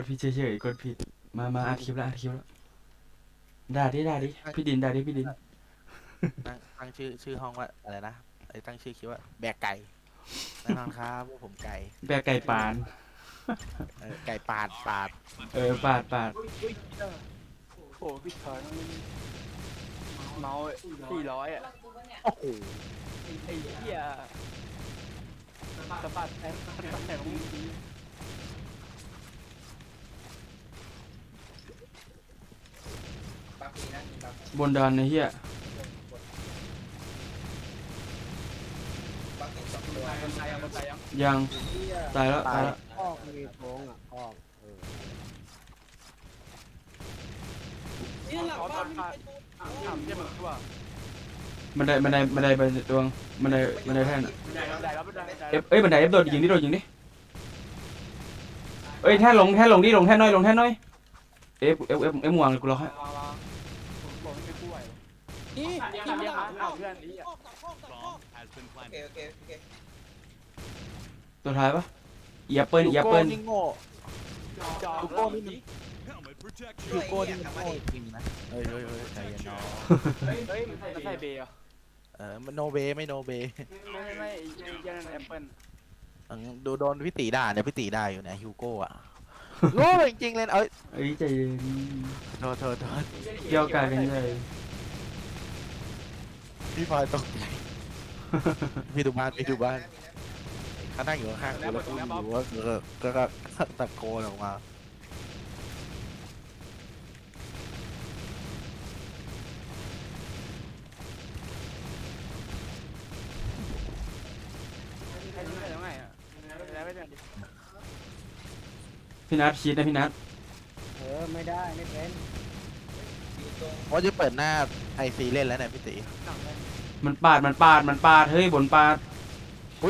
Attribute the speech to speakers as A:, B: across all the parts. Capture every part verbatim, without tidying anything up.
A: ผิดเฉยๆกดผิดมามาอัดคลิปแล้วอัดคลิปแล้วด่าดิด่าดิพี่ดินด่าดิพี่ดิน
B: ตั้งตั้งชื่อชื่อห้องว่าอะไรนะไอ้ตั้งชื่อคิดว่าแบกไก่แน่นอนครับพวกผมไก่
A: แบกไก่ปาน
B: เออไก่ปาดปาด
A: เออปาดปาด
C: โอ้พี่ชายเมาสี่ร้อยอ่ะ
B: โอ้โห
C: ไอ้เหี้ยสะบัดแทงสะบัดแทงมึงดี
A: บนดานไอ้เหี้ย
C: คนตายยังคนตายยัง
A: ยังตายแล้วตายแล้ว
D: ออกมีโค้งอ่ะออกเออ
C: นี่หลังบ้านไม่ไปถามเยี่ยมตัว
A: บันไดบันไดบันไดบันไดดวงบันไดบันไดแท่น
C: บันไดบันไดแล้วบันได
A: เอฟเอ้ยบันไดเอฟโดดยิงดิโดดยิงดิเอ้ยแท่นลงแท่นลงดิลงแท่นน้อยลงแท่นน้อยเอฟเอฟเอฟเอฟมวางเลยกูรอให้
C: บอกไม่ป่วยนี่นี่มันหลังเพื่อนนี่ออกจากห้องจากห้อง
D: โอเคโอเคโอเค
A: ตัวท้ายปะเอียเปิ้ลเอียเปิ้ล
B: นี่โง่
C: จอ
B: ลูกโก้นี่มันลูกโก้นี่มันโง่จริงนะเฮ้ยเฮ้ยเฮ้ยใจเย็นน้อง
C: เฮ้ยมันใส่เบย์อ่ะ
B: เออมันโนเบไม่โนเบ
C: ไม่ไม่ยันแอปเปิ้ล
B: ดูโดนพี่ตีด่าเนี่ยพี่ตีด่าอยู่เนี่ยฮิวโก้อะโง่จริงๆเลยเอ้ย
A: เอ้ยใจเย็น
B: โทษโทษโทษ
A: เกี่ยวกายกันเลย
B: พี่พลอยตกใจพี่ดูบ้านพี่ดูบ้านเขานั่งอยู่ข้างๆกูแล้วกูอยู่ว่าก็ก็ตะโกนออกมา
A: พี่นัทคิดนะพี่นัท
D: เออไม่ได้ไม่เป็น
B: ว่าจะเปิดหน้าไอซีเล่นแล้วเนี่ยพี่ตี
A: มันปาดมันปาดมันปาดเฮ้ยบนปาด
B: อุ้ย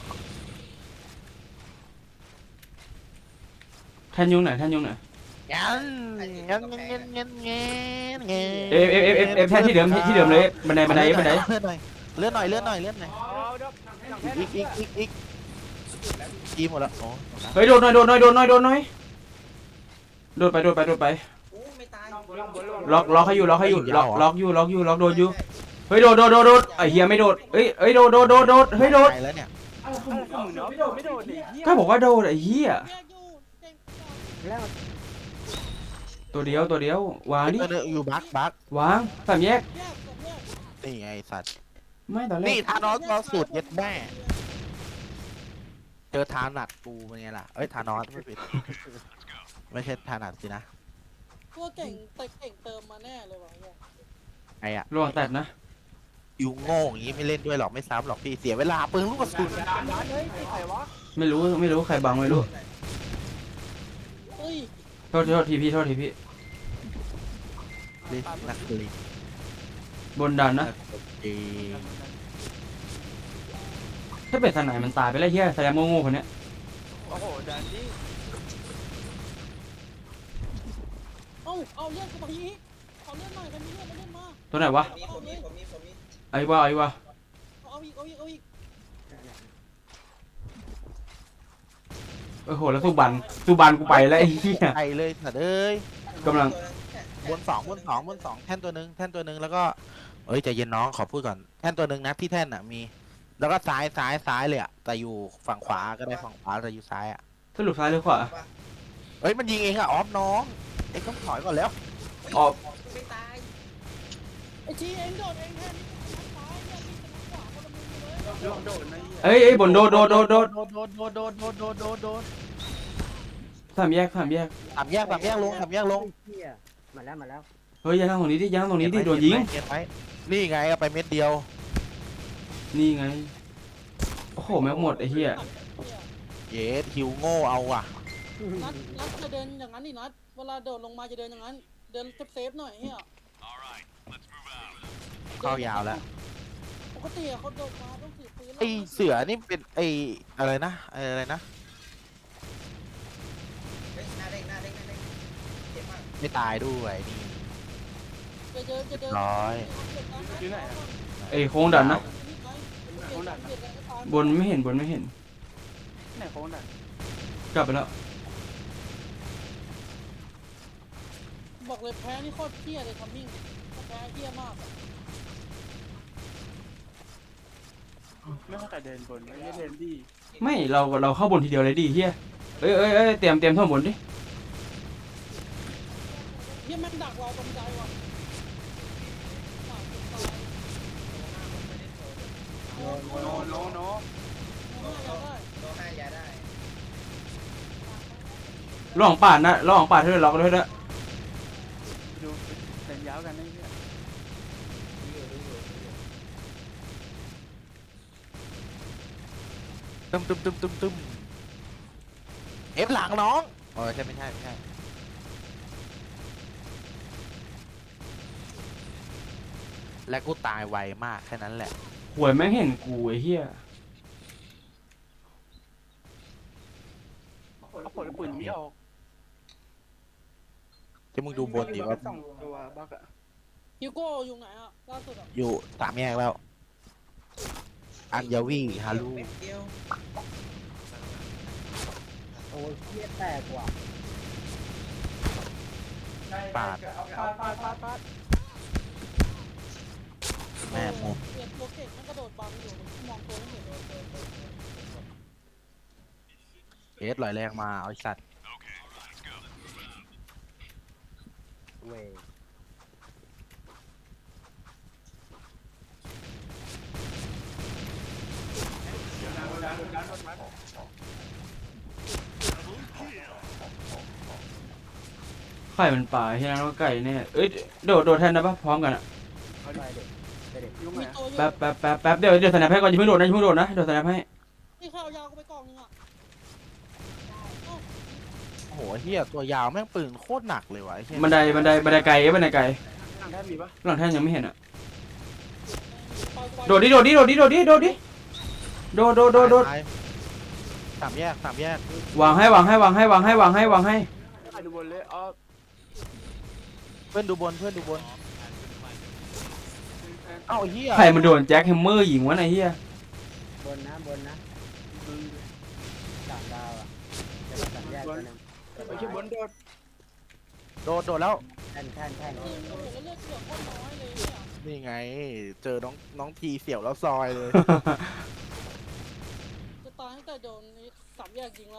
A: แท่นยุงไหนแท่นยุงไหน
B: งั้นงั้นงั้นงั้นงั้นงั้น
A: เอฟเอฟเอฟเอฟเอฟแท่นที่เดิมที่เดิมเลยบันไดบันไดบันได
B: เลื่อนหน่อยเลื่อนหน่อยเลื่อนหน่อยอีกอีกอีกอีกอีหมดแล้วโอ้
A: เฮ้ยโดนหน่อยโดนหน่อยโดนหน่อยโดนหน่อยโดดไปโดดไปโดดไปล็อกล็อกให้อยู่ล็อกให้อยู่ล็อกล็อกอยู่ล็อกอยู่ล็อกโดดอยู่เฮ้ยโดดโดดโดดโดดไอ้เฮียไม่โดดเฮ้ยเฮ้ยโดดโดดโดดโดดเฮ้ยโดด
B: แล้วเนี่ย
A: ก็บอกว่าโดดไอ้เฮีย
D: แล้ว
A: ตัวเดียวตัวเดียววางดิ
B: อยู่บักบัก
A: วางสามแยก
B: นี่ไงสัตว์
A: ไม่ตอนแรก
B: นี่ทานอสเราสูตรเย็ดแม่เจอทานัดกูเป็นไงล่ะเอ้ยทานอสไม่ผิดไม่ใช่ทานัดสินะ
E: ตัวเก่งแต่เก่งเติมมาแน่เลยวะเนี่ย
B: ไอ้อะ
A: ระวังแตกนะ
B: อยู่โง่อย่างงี้ไม่เล่นด้วยหรอกไม่ซ้ำหรอกพี่เสียเวลาปืนลูกกระสุน
A: ไม่รู้ไม่รู้ใครบังไม่รู้
E: เฮ้ย
A: โทษโทษทีพี่โทษทีพี่
B: ลินักลี
A: บนดันนะถ้าเป็นสนายมันตายไปแล้วเฮียแสดงโง่ๆคนเนี้ย
C: โอ้โหดันดิ
E: เอ้าเอาเลื่อนกูไปอีกเอาเลื่อนหน่อยกันนี้เลื่อนมาเลื่อนมา
A: ตัวไหนวะ
D: ผมมีผมมีผมมี
A: ไอ้วะไอ้วะ
E: เอาอีกเอาอีกเอาอีก
A: โอ้โหแล้วสุบันสุบันกูไปแล้วไอ้เหี้ย
B: ไปเลยสัตว์เอ้ย
A: กำลัง
B: บนสองบนสองบนสองแท่นตัวหนึ่งแท่นตัวหนึ่งแล้วก็เอ้ยใจเย็นน้องขอพูดก่อนแท่นตัวหนึ่งนะที่แท่นอ่ะมีแล้วก็ซ้ายซ้ายซ้ายเลยอ่ะแต่อยู่ฝั่งขวาก็ได้ฝั่งขวาแต่อยู่ซ้ายอ่ะ
A: สรุปซ้ายหรือขวา
B: เอ้ยมันยิงเองอ่ะออฟน้องเอ็งต้องถอยก่อนแล้ว
A: ออก
D: ไม่ตาย
E: ไอ้จีเองโดดเองแทนนี่เป็นซ้ายเนี่ยนี่เป็นขวาคนละมือเลย
C: โดนโดนนะ
A: เอ้ยเอ้ยบนโดดโดดโดดโดด
B: โดดโดดโดดโดดโดดโดดโดด
A: สามแยกสามแยก
B: สามแยกสามแยกลงสามแยกลง
D: เฮียมาแล้วมาแล้ว
A: เฮ้ยอย่านั่งตรงนี้ดิอย่านั่งตรงนี้ดิโดนยิง
B: เก็บไว้นี่ไงเอาไปเม็ดเดียว
A: นี่ไงโอ้โหแม็กหมดไอ้เหี้ย
B: เยสฮิวโง่เอาอ่ะ
E: นัดนัดจะเดินอย่างนั้นดินัดเวลาโดดลงมาจะเดินอย่างนั้นเดินเซฟๆหน่อยเฮีย
B: เข้ายาวแล้ว
E: ปกติเขาโดดมาต้องถือปืน
B: ไอเสือนี่เป็นไออะไรนะไออะไรนะ
D: เฮ้ยหน้าเด้งหน้าเด้งหน้าเด้งเจ็บมาก
B: ไม่ตายด้วยนี่
E: จะเดินจะเดิน
B: ร้อย
C: อยู่ไหน
A: ไอ้โค้งดันนะ
E: โค้งดัน
A: บนไม่เห็นบนไม่เห็น
C: ไหนโค้งดัน
A: กลับไปแล้ว
E: บอกเลยแพ้นี่โคตรเหี้ยเลยทัมมิ่งแพ้เหี้ยมากอะ
C: ไม่เข้าใจเดินบนไม่ได้เดินดี
A: ไม่เราเราเข้าบนทีเดียวเลยดิเฮียเอ้ยเอ้ยเอ้ยเตรียมเตรียมท่อนบนดิ
E: เหี้ยแม่งดักเราตรงใจว่ะหมาตาย
C: โนโนโนโน
E: โน้ตเราได้
D: โดนห้ายาได้
A: ระหว่างป่านนะระหว่างป่านเธอล็อกด้วยนะ
C: ดูเดินยาวกันได้เนี่ย
B: ตึมตึมตึมตึมตึมเอฟหลังน้องเออใช่ไม่ใช่ไม่ใช่และกูตายไวมากแค่นั้นแหละ
A: หวยแม่งเห็นกูไอ้เฮีย
C: เอาผลปืนไม่ออก
B: ที่มึงดูบนดิว่า
C: สองตัวบักอะ
E: ฮิวโก้อยู่ไหนอ่ะล่าสุดอ่ะ
B: อยู่สามแยกแล้ว อัญญาวีฮารุ
D: เม็ดเดียว
F: โอ้ยเหี้ยแตกว่ะ
B: ปาด
C: ปาดปาดปาดปาด
B: แม่มุม
E: เปลี่ยนตัวเก่งมันกระโดดบังอยู่มันมองตัวไม่เห็นเลย
B: เอสลอยแรงมาเอาไอ้สัตว์
F: เว้ย
A: ไข่มันป่าเฮียแล้วก็ไก่เนี่ยเอ้ยโดดโดดแทนได้ปะพร้อมกันอะ
F: ไปเด็กไปเด็ก
C: ยุ่ง
E: มี
C: ไง
E: ตัวอยู่
A: แป๊บแป๊บแป๊บแป๊บเดี๋ยวเดี๋ยวสแนปให้ก่อนอย่าเพิ่งโดดนะอย่าเพิ่งโดดนะเดี๋ยวสแนปให้
E: นี่ข้าวยาวกูไปกล่องนึงอ่ะเอ้า
B: โอ้โหเฮียตัวยาวแม่งปืนโคตรหนักเลยวะไอ้เหี้ย
A: บันไดบันไดบันไดไกลเอ้ยบันไดไกล
C: ทางด้านมีปะ
A: หลังแท่นยังไม่เห็นอะ
E: ปล่อยกูไป
A: โดดดิโดดดิโดดดิโดดดิโดดดิโดดโดดโดดโดด
B: ตายสามแยกสามแยก
A: วางให้วางให้วางให้วางให้วางให้วางให้
C: ไปดูบนเลยอ๋อ
B: เพื่อนดูบนเพื่อนดูบนเอ้าไอ้เฮีย
A: ใครมันโดนแจ็คแฮมเมอร์ยิงวะไอ้เฮีย
F: บนนะบนนะสามดาวอ่ะเดี๋ยวสามแยกตัวหนึง
C: ไปที่บนโดด
B: โดดโดดแล้ว
F: แท่นแท่นแท่น
E: ยิงโอ้โหแล้วเลือดเสือโคตรน้อยเลยเนี่ย
B: นี่ไง เจอน้องน้องทีเสี่ยวแล้วซอยเลย
E: จะตายตั้งแต่โดนนี่สามแยกยิงแล้ว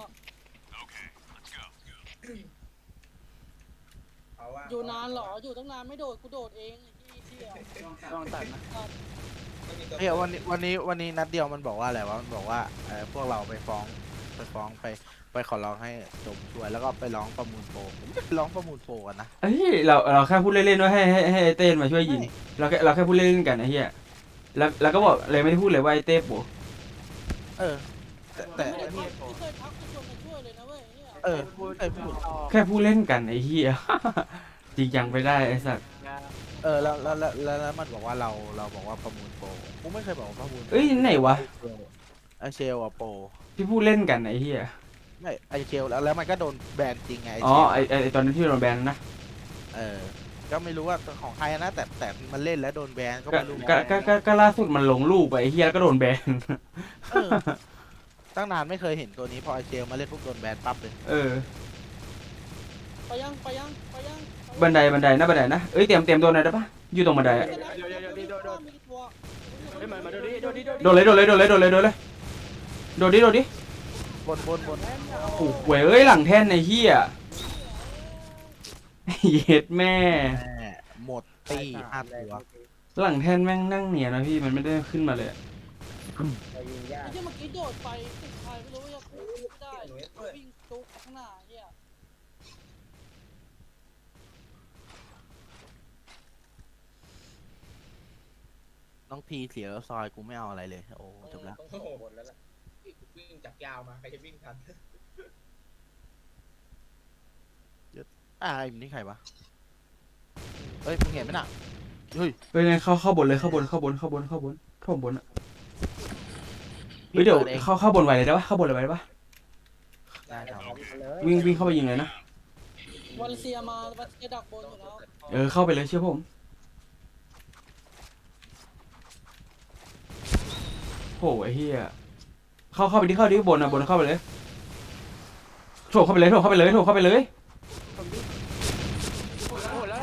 D: เอาว่า
E: อยู่นานเหรออยู่ตั้งนานไม่โดดกูโดดเองไอ้ที่เที่ยว
C: ต้องตัดนะ
D: ไม่มีตัว
B: เฮ้ยวันนี้วันนี้วันนี้นัดเดียวมันบอกว่าอะไรวะมันบอกว่าเออพวกเราไปฟ้องไปฟ้องไปไปขอร้องให้จบช่วยแล้วก็ไปร้องประมูลโปรผมไม่ไปร้องประมูลโปรกันนะ
A: เฮ้ยเราเราแค่พูดเล่นๆว่าให้ให้ให้ไอ้เต้นมาช่วยยิงเราแค่เราแค่พูดเล่นๆกันไอ้เหี้ยแล้วแล้วก็บอกเลยไม่ได้พูดเลยว่าไอ้เต้โปะ
B: เออ แต่แต่
E: ไม่
B: อัน
E: ได้
B: นี้
E: ทักไม่เคยทักจะชวนมาช่วยเลยนะเว้ยเนี่ย
B: เออ
C: พูด
B: ไอ้พูด
C: ต่อ
A: แค่พูดเล่นกันไอ้เหี้ย จริงจังไปได้ไอ้สัตว์
C: ยา
B: เออแล้วแล้วแล้วแล้วแล้วมันบอกว่าเราเราบอกว่าประมูลโปรกูไม่เคยบอกว่าประมูลโปร
A: เอ้ยไหนวะ
B: ไอเชลอะโปร
A: ที่พูดเล่นกันไอ้เหี้ย
B: ไม่ไอเชลแล้วแล้วมันก็โดนแบนจริงไงไอ
A: อ๋อ
B: เชล
A: ไอ้ไอ้ไอ้ตอนนั้นที่โดนแบนนะ
B: เออก็ไม่รู้ว่าของใครนะแต่แต่มันเล่นแล้วโดนแบนก็
A: ก็
B: ไม่รู้
A: ก็ก็ก็ก็ล่าสุดมันลงรูปไปไอ้เหี้ยแล้วก็โดนแบน
B: เออตั้งนานไม่เคยเห็นตัวนี้พอไอเชลมาเล่นปุ๊บโดนแบนปั๊บเลย
A: เออ
E: ไปยังไปยังไปยัง
A: บันไดบันไดนะบันไดนะเอ้ยเตรียมเตรียมตัวหน่อยได้ปะอยู่ตรงบันไดอะ
E: เดี๋ยวเดี๋ยวเดี๋ยวเดี๋ยวเดี๋ยวมีตัว
C: เฮ้ยมามาโดดดิโดดดิโดดดิ
A: โดดเลยโดดเลยโดดเลยโดดเลยโดดเลยโดดดิโดดดิ
B: บนบนบน
A: โอ้โหเว้ยเอ้ยหลังแท่นไอ้เหี้ย เย็ดแม่
B: แม่หมดตีห้าตัว
A: หลังแท่นแม่งนั่งเนียนนะพี่มันไม่ได้ขึ้นมาเลยอะ
F: เรายิงยาก
E: ไอ้ที่เมื่อกี้โดดไปติดใครไม่รู้ว่าจะไม่ได้วิ่งจุกข้างหน้าเฮีย
B: น้องทีเสียแล้วซอยกูไม่เอาอะไรเลยโอ้จบแล้ว
D: โอ้โหหมดแล้วล่ะวิ่งจากยาวมาใครจะวิ่งทัน
B: อ่าไอ้นี่ใครวะเฮ้ยมึงเห็นไหมน่ะเฮ้ย
A: เฮ้ยงั้นเข้าเข้าบนเลยเข้าบนเข้าบนเข้าบนเข้าบนเข้าบนอะเฮ้ยเดี๋ยว
B: ปิอง
A: เข้าเข้าบนไวเลยได้ปะเข้าบนเลยไวได้ปะ
B: ได้ครับ
F: เอาเลย
A: วิ่งวิ่งเข้าไปยิงเลยนะ
E: วันเซียมาวันเซียดักบนอยู่แล้ว
A: เออเข้าไปเลยเชื่อผมโหไอ้เหี้ยเข้าเข้าไปที่เข้าที่บนอะบนเข้าไปเลยโถเข้าไปเลยโถเข้าไปเลยโถเข้าไปเลย
C: โอ้โหแล้ว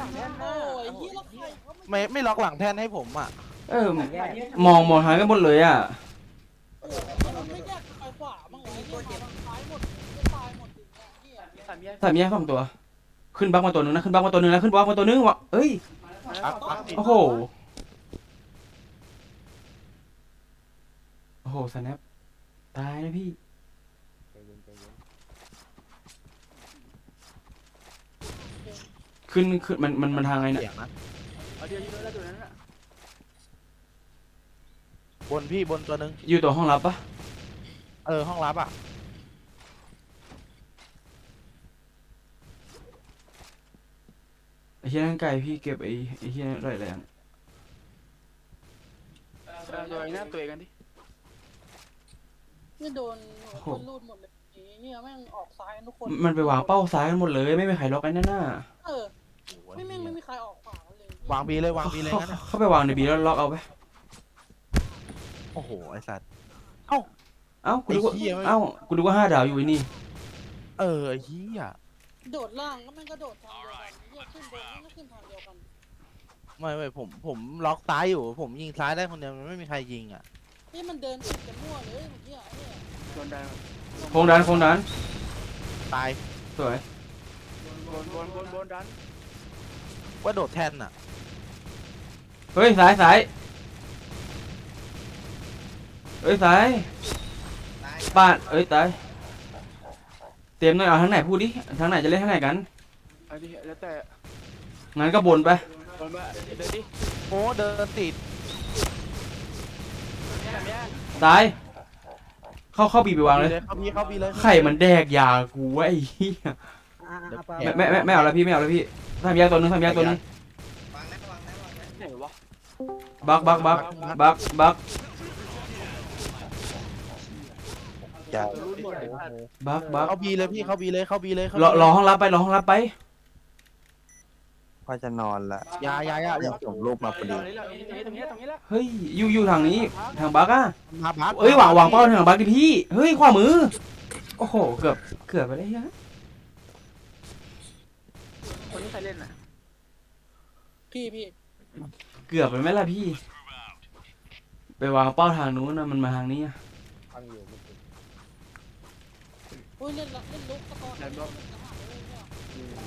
B: ไม่ไม่ล็อกหลังแท่นให้ผมอ่ะ
A: เออมองมองหายกันหมดเลยอ่ะ
E: เออมันไม่แยกไปขวาบ้างเหรอไอ้เนี่ยมาทางซ้ายหมดจะตายหมดอย่างเงี้ยเหี้ย
C: สามแยก
A: สามแยกสองตัว ขึ้นบักมาตัวหนึงนะขึ้นบักมาตัวหนึงนะขึ้นบักมาตัวหนึงวะเอ้ย
B: ปักปักติด
A: โอ้โหโอ้โหสแนปตายนะพี่
F: ใจเย็นใจเย็น
A: ขึ้นขึ้นมันมันมันทางไงเนี่ย
B: เสียงนะ
C: เอาเดียวยิงแล้วตัวนั้นอ่ะ
B: บนพี่บนตัวหนึง
A: อยู่ตัวห้องลับปะ
B: เออห้องรับอ่ะ
A: ไอ้เหี้ยนั่นไก่พี่เก็บไอ้ไอ้เหี้ยนั่นไรแรง
C: เอาตัวเองนะตัวเองกันดิ
E: นี่โดนคนรูดหมดเลยไอ้เนี่ยแม่งออกซ้ายกันทุกคน
A: มันไปวางเป้าซ้ายกันหมดเลยไม่มีใครล็อกไอ้นั่นน่ะ
E: เออไม่แม่งไม่มีใครออกขวากันเลยว
B: างบีเลยวางบีเลย
A: เขา
B: งั้น
A: เขา
B: อะ
A: เข้าไปวางในบีแล้วล็อกเอาไป
B: โอ้โหไอสัตว์
A: เอ้ากูนึกว่า
B: ไอ้เหี้ยไม่
A: เอ้ากูนึกว่าห้าดาวอยู่ไอ้นี่
B: เออไอ้เหี้ย
E: โดดล่างก็แม่งก็โดดทางเดียวกันเหี้ยขึ้นบนแม่งก็ขึ้นทางเดียวกัน
B: ไม่ไม่ผมผมล็อกซ้ายอยู่ ผมยิงซ้ายได้คนเดียวมันไม่มีใครยิงอ่ะ
E: นี่มันเดินติดกันมั่วเลยเมื่อกี้ไอ้เนี่ย
C: โดนได้
A: โค้งดันโค้งดัน
B: ตาย
A: สวย
C: โดนโดนโดนโดนดัน
B: ว่าโดดแท่นอ่ะ
A: เฮ้ยซ้ายซ้ายเอ้ยซ้าย
D: ตาย
A: บ้านเอ้ยตายเตรียมหน่อยเอาทางไหนพูดดิทางไหนจะเล่นทางไหนกัน
C: เอาดิแล้วแต่
A: งั้นก็บนไป
C: โดนมาเดินดิ
B: โอ้เดินติด
C: สามแยก
A: ซ้ายเข้าเข้าบีไปวางเลย
B: เข้าบีเข้าบีเลย
A: ไข่มันแดกยากูไอ้เหี้ย
F: อ่ะอ่ะอ่ะปะ
A: ไม่ไม่ไม่ไม่เอาแล้วพี่ไม่เอาแล้วพี่ทำยาตัวนึงทำยาตัวนึง
D: วางนะวางนะวางนะ
C: ไหนวะ
A: บักบักบักบักบัก
B: อย่า
C: ตัวรุ่นหมดเลย
A: บักบัก
B: เข้าบีเลยพี่เข้าบีเลยเข้าบีเลยเข้าร
A: อรอห้องรับไปรอห้องรับไป
G: พ่อจะนอนละ
B: อย่าอย่าอย่าอย่า
G: ส่งรูปมาพอ
C: ตร
G: ดี
C: งนี้แล้วตรงนี้ตรงนี้แล้ว
A: เฮ้ยอยู่อยู่ทางนี้ทางบักอะ
B: มาบัก
A: เอ้ยวางวางเป้าทางบักดิพี่เฮ้ยขวามือโอ้โหเกือบเกือบไปได้ยัง
C: คนนี้ใครเล่นอ่ะ
E: พี่พี่
A: เกือบไปไหมล่ะพี่ ไปวางเป้าทางนู้นนะมันมาทางนี้อะ
F: ฟังอยู่เมื่อกี้
E: อุ้ยเล่นละเล่นลุกตะกอนเล่นลุก
F: อืม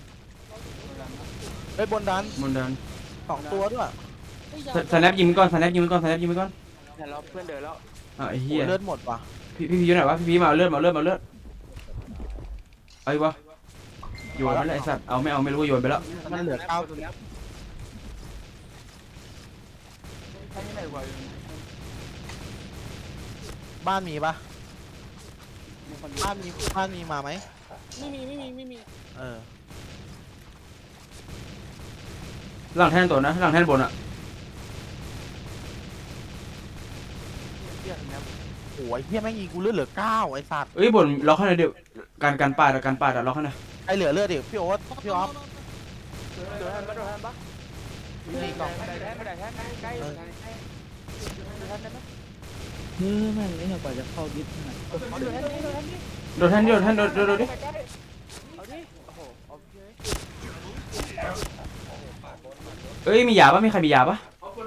B: เฮ้ยบนดัน
A: มันเดิน
B: สองตัวด้วย
A: สแนปยิงไปก่อนสแนปยิงไปก่อนสแนปยิงไปก่อน
C: แต่เราเพื่อนเดินแล้ว
A: อ่ะไอ้
B: โอ้
A: เหี้ย
B: เลือดหมดว่ะ
A: พี่พี่พีอยู่ไหนวะพี่พีมาเอาเลือดมาเอาเลือดมาเอาเลือดไอ้วะโยนไปแล้วไอ้สัตว์เอาไม่เอาไม่รู้ว่าโยนไปแล้ว
B: มันเหลือเก้า
C: ตัวนี้ใช่ไหนวะ
B: บ้านมีปะ
C: มีคน
B: บ้านมีบ้านมีมาไหม
E: ไม่มีไม่มีไม่มี
B: เออ
A: หลังแท่นตัวนะหลังแท่นบนอะ
C: เที่ยงนะ
B: โอ้ยเฮียแม่งยิงกูเลือดเหลือเก้าไอ้สัตว์
A: เอ้ยบนล็อกให้หน่อยเดี๋ยวการการปาดอะการปาดอะล็อกให้หน่อย
B: ไอเหลือเลือดดิพี่โอ๊ตพี่อ๊อฟ
C: โดนทันปะโดนทันปะ
B: มีกล่อง
C: ไม่ได้แท้ไม่ได้แท้ใกล้โดนทันได้ไหม
H: เฮ้ยแม่งเนี่ยกว่าจะเข้าดิสขนาด
C: โดนทันนี่โดนทันนี่
A: โดนแท่นโดนแท่นโดนโดนโดนดิ
C: เอาดิโอ้โหโอเค
A: เอ้ยมียาปะมีใครมียาปะ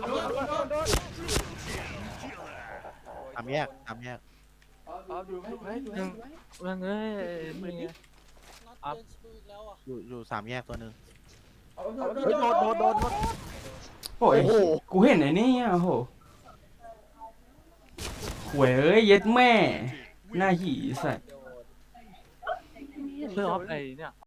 B: สามแยกสามแยก
C: เอาดูให้ดูให้ดูให้
H: แม่งเอ้ยนี่ไง
E: นัดเดินสกูอีกแล้วอ่ะ
B: อยู่อยู่สามแยกตัวหนึ่ง
C: เอา
B: เฮ้ยโดนโดนโดนโดน
A: โอ้ยกูเห็นไอ้นี่อะโอ้โหหวยเอ้ยเย็ดแม่หน้าหี่สัตว์
H: เพื่อออฟไอเนี่ย